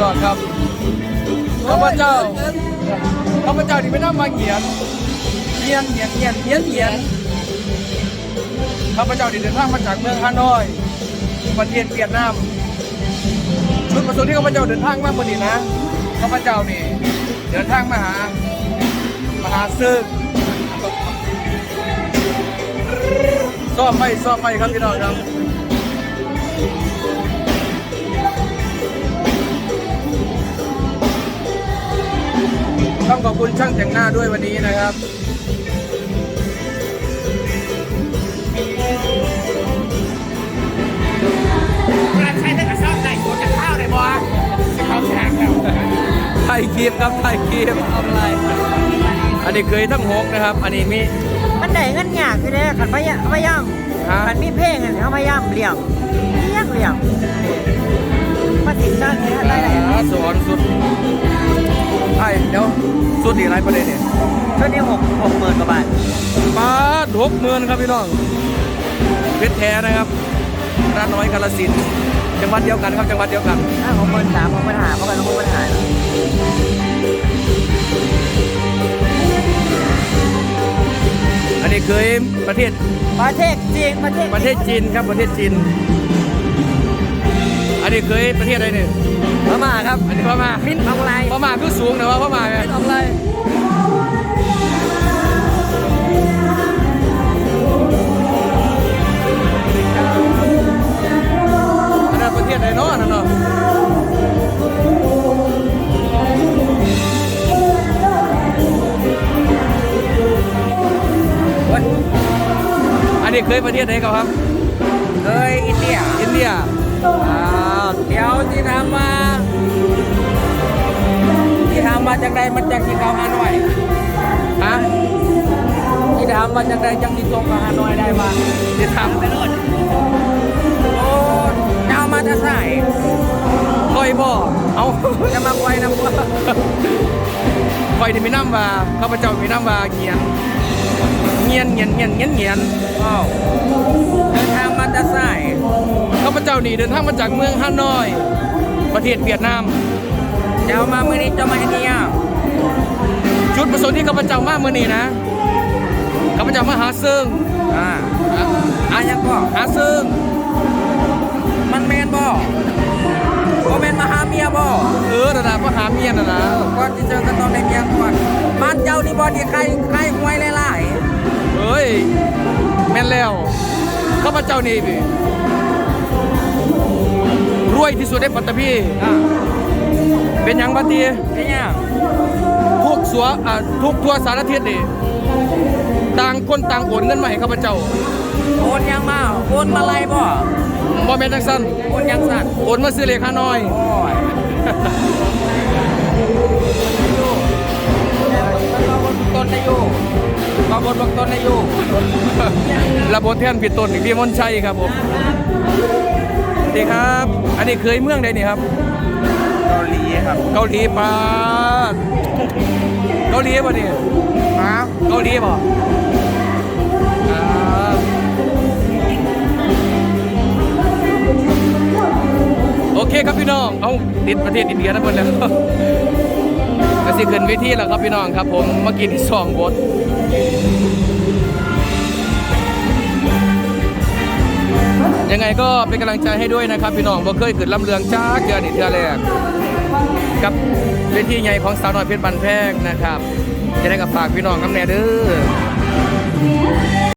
น้องครับข้าพเจ้าที่ไม่ได้มาเหียนข้าพเจ้าที่เดินทางมาจากเมืองฮานอยประเทศเวียดนามจุดประสงค์ที่ข้าพเจ้าเดินทางมาวันนี้นะข้าพเจ้านี่เดินทางมาหาซึ่งซ่อมไม่ครับพี่น้องครับต้องขอบคุณช่างแต่งหน้าด้วยวันนี้นะครับใช้แต่กระซ่อมได้ตัวจะข้าวได้บ่เขาแฉกแล้วไทยครีมครับไทยครีมเอาอะไรอันนี้เคยทั้ง6นะครับอันนี้มีมันได้เงินยากคือเด้ขันพยายามขันมีเพลงเขาพยายามเลี้ยงมาติดตั้งเนี่ยได้สอนสุดไอ้เดี๋ยวสุดอีกไรประเด็นเนี่ยชุดนี้60,000 กว่าบาทมา60,000ครับพี่น้องเพชรแท้นะครับร้านน้อยกาฬสินธุ์จังหวัดเดียวกันครับจังหวัดเดียวกัน 63,000 65,000เพราะกัน65,000 อันนี้เคยประเทศจีนครับประเทศจีนอันนี้เคยประเทศอะไรเนี่ยพม่าครับอันนี้พม่ามิ้นทองลายพม่าคือสูงนะว่าพม่าไงมิ้นทองลายอันนั้นประเทศไหนเนาะนั่นเนาะอันนี้เคยประเทศไหนครับเคยอินเดียเดี๋ยวที่ทำมาจากใดมันจากที่เกาฮานอยที่ทำมาจากใดจากที่ตรงกับฮานอยได้มาที่ทำไปโน่นโอ้เจ้ามาจะใส่คอยบ่เอาจะมาคอยนะพวกคอยที่มีน้ำว่าข้าพเจ้ามีน้ำว่าเงียนอ้าวเดินทางมาจะใส่ข้าพเจ้านี่เดินทางมาจากเมืองฮานอยประเทศเวียดนามเจ้ามาเมื่อนี้เจ้ามาที่นี่จุดประสงค์ที่ข้าพเจ้ามาเมื่อนี้นะข้าพเจ้ามาหาซึ่งยังก็หาซึ่งมันแมนบ่แมนมาหาเมียบ่นะมาหาเมียนะก่อนที่เจอกันตอนในเมียก่อนบ้านเจ้านี่บ่ที่ใครหวยหลายเฮ้ยแม่นแล้วข้าพเจ้านี่รวยที่สุดในปัตตภีเป็นยังบัดนี้เป็นยังทุกทั่วสารทิศนี่ต่างคนต่างโอนเงินมาให้ข้าพเจ้าโอนยังมาโอนมาไรบ่แม่นจังซั่นโอนยังสั่นโอนมาซื้อเลขฮานอยต้นได้อยู่บางคนบอกต้นได้อยู่ระบบแทนผิดต้นพี่มนชัยครับผมดีครับอันนี้เคยเมืองใดนี่ครับเกาหลีครับเกาหลีป่ะเกาหลีป่ะนี่เกาหลีป่ะโอเคครับพี่น้องเอาติดประเทศอินเดียนะเพื่อนแล้วก็สิขึ้นเวทีแล้วครับพี่น้องครับผมเมื่อกี้ที่2 บทยังไงก็เป็นกำลังใจให้ด้วยนะครับพี่น้องบ่เคยเกิดลำเลืองจ้าเดือนนี่เทื่อแรกกับเวทีใหญ่ของสาวน้อยเพชรบันแพงนะครับจะได้กับฝากพี่น้องน้ำแน่เด้อ